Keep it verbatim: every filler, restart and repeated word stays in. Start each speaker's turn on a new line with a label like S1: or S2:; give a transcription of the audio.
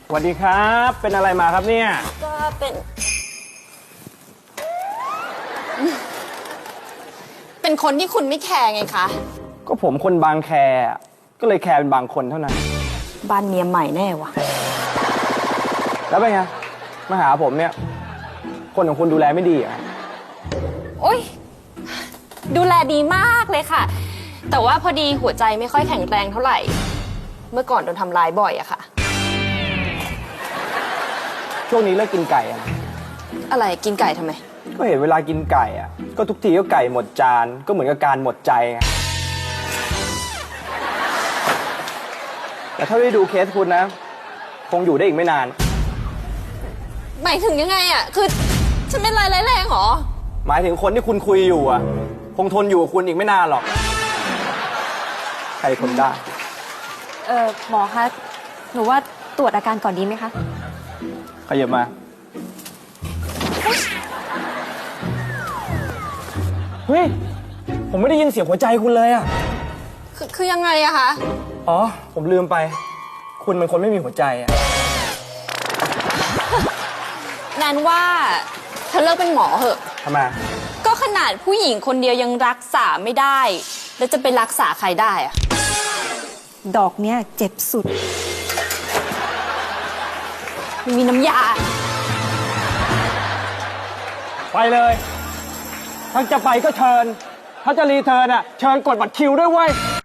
S1: สวัสดีครับเป็นอะไรมาครับเนี่ย
S2: ก็เป็น เป็นคนที่คุณไม่แคร์ไงคะ
S1: ก็ผมคนบางแคก็เลยแคร์เป็นบางคนเท่านั้น
S2: บ้านเมียใหม่แน่วะ
S1: แล้วเป็นไงมาหาผมเนี่ยคนของคุณดูแลไม่ดีอ่ะ
S2: โอ๊ยดูแลดีมากเลยค่ะแต่ว่าพอดีหัวใจไม่ค่อยแข็งแรงเท่าไหร่เมื่อก่อนโดนทำร้ายบ่อยอะค่ะ
S1: ช่วงนี้เลิกกินไก่อะ
S2: อะไรกินไก่ทำไม
S1: ก็เห็นเวลากินไก่อะก็ทุกทีก็ไก่หมดจานก็เหมือนกับการหมดใจไงแต่ถ้าได้ดูเคสคุณนะคงอยู่ได้อีกไม่นาน
S2: หมายถึงยังไงอะคือฉันเป็นอะไรร้ายแรงหรอ
S1: หมายถึงคนที่คุณคุยอยู่อะคงทนอยู่กับคุณอีกไม่นานหรอกใครทนได้
S3: เออหมอคะหนูว่าตรวจอาการก่อนดีไหมคะ
S1: ขยับมาเฮ้ยผมไม่ได้ยินเสียงหัวใจคุณเลยอะ
S2: คือคือยังไงอะคะ
S1: อ๋อผมลืมไปคุณเป็นคนไม่มีหัวใจอะ
S2: แนนว่าเธอเลิกเป็นหมอเหอะ
S1: ทำไม
S2: ก็ขนาดผู้หญิงคนเดียวยังรักษาไม่ได้แล้วจะไปรักษาใครได้อะ
S3: ดอกเนี้ยเจ็บสุด
S2: ไม่มีน้ำยา
S1: ไปเลยถ้าจะไปก็เชิญถ้าจะรีเทิร์นอ่ะเชิญกดบัตรคิวด้วยเว้ย